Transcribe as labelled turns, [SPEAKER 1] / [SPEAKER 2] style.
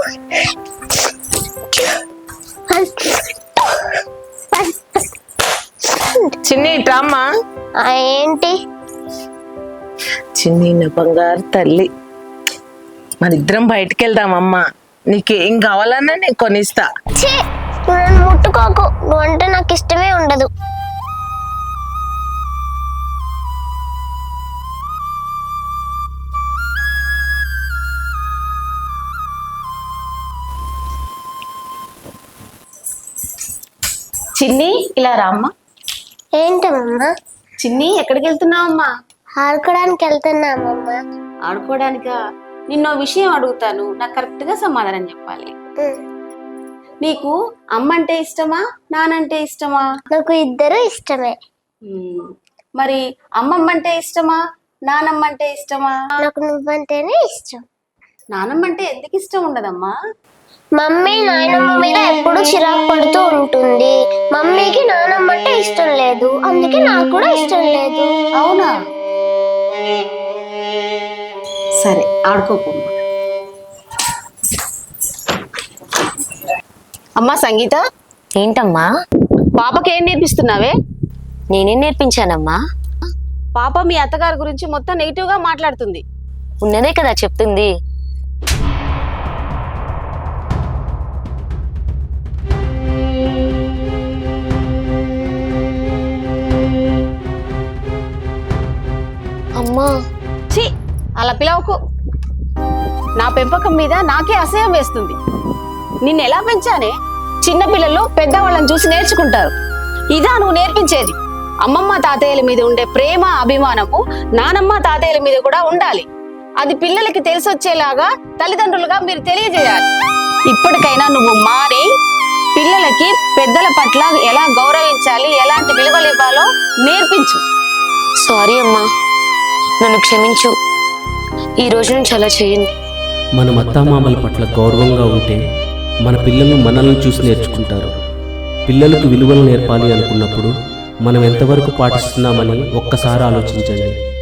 [SPEAKER 1] చిన్ని ఇట్రామ్మా.
[SPEAKER 2] ఏంటి
[SPEAKER 1] చిన్ని నా బంగారు తల్లి, మనిద్దరం బయటికి వెళ్దామమ్మా. నీకేం కావాలన్నా నేను కొనిస్తా.
[SPEAKER 2] నన్ను ముట్టుకోకు, నువ్వు అంటే నాకు ఇష్టమే ఉండదు.
[SPEAKER 3] చిన్ని ఇలా రామ్మా.
[SPEAKER 2] ఏంటమ్మా?
[SPEAKER 3] చిన్ని ఎక్కడికి వెళ్తున్నావమ్మా?
[SPEAKER 2] ఆడుకోవడానికి వెళ్తున్నామమ్మా.
[SPEAKER 3] ఆడుకోవడానికా? నిన్నో విషయం అడుగుతాను, నాకు కరెక్ట్ గా సమాధానం చెప్పాలి. నీకు అమ్మ అంటే ఇష్టమా, నానంటే ఇష్టమా?
[SPEAKER 2] నాకు ఇద్దరు ఇష్టమే.
[SPEAKER 3] మరి అమ్మమ్మ అంటే ఇష్టమా, నానమ్మ అంటే ఇష్టమా?
[SPEAKER 2] నాకు నువ్వంటేనే ఇష్టం.
[SPEAKER 3] నానమ్మ అంటే ఎందుకు ఇష్టం ఉండదమ్మా?
[SPEAKER 2] మమ్మీ నాయనమ్మ మీద ఎప్పుడు చిరాకు పడుతూ ఉంటుంది. మమ్మీకి నానమ్మ అంటే ఇష్టం లేదు, అందుకే నాకు కూడా ఇష్టం లేదు.
[SPEAKER 3] అవునా? సరే ఆడుకోకమ్మా. అమ్మా సంగీత.
[SPEAKER 4] ఏంటమ్మా?
[SPEAKER 3] పాపకి ఏం నేర్పిస్తున్నావే?
[SPEAKER 4] నేనేం నేర్పించానమ్మా?
[SPEAKER 3] పాప మీ అత్తగారి గురించి మొత్తం నెగిటివ్ గా మాట్లాడుతుంది.
[SPEAKER 4] ఉన్నదే కదా చెప్తుంది. అమ్మా
[SPEAKER 3] ఛీ, అలా పిలవకు. నా పెంపకం మీద నాకే అసహ్యం వేస్తుంది. నిన్ను ఎలా పెంచానే? చిన్నపిల్లలు పెద్దవాళ్ళని చూసి నేర్చుకుంటారు. ఇదా నువ్వు నేర్పించేది? అమ్మమ్మ తాతయ్యల మీద ఉండే ప్రేమ అభిమానము నానమ్మ తాతయ్యల మీద కూడా ఉండాలి. అది పిల్లలకి తెలిసొచ్చేలాగా తల్లిదండ్రులుగా మీరు తెలియజేయాలి. ఇప్పటికైనా నువ్వు మారి పిల్లలకి పెద్దల పట్ల ఎలా గౌరవించాలి, ఎలాంటి విలువలు ఇవ్వాలో నేర్పించు.
[SPEAKER 4] సారీ అమ్మా, నన్ను క్షమించు. ఈ రోజు నుంచి అలా చేయను.
[SPEAKER 5] మన అత్తామామల పట్ల గౌరవంగా ఉంటే మన పిల్లలు మనల్ని చూసి నేర్చుకుంటారు. పిల్లలకు విలువలు నేర్పాలి అనుకున్నప్పుడు మనం ఎంతవరకు పాటిస్తున్నామని ఒక్కసారి ఆలోచించండి.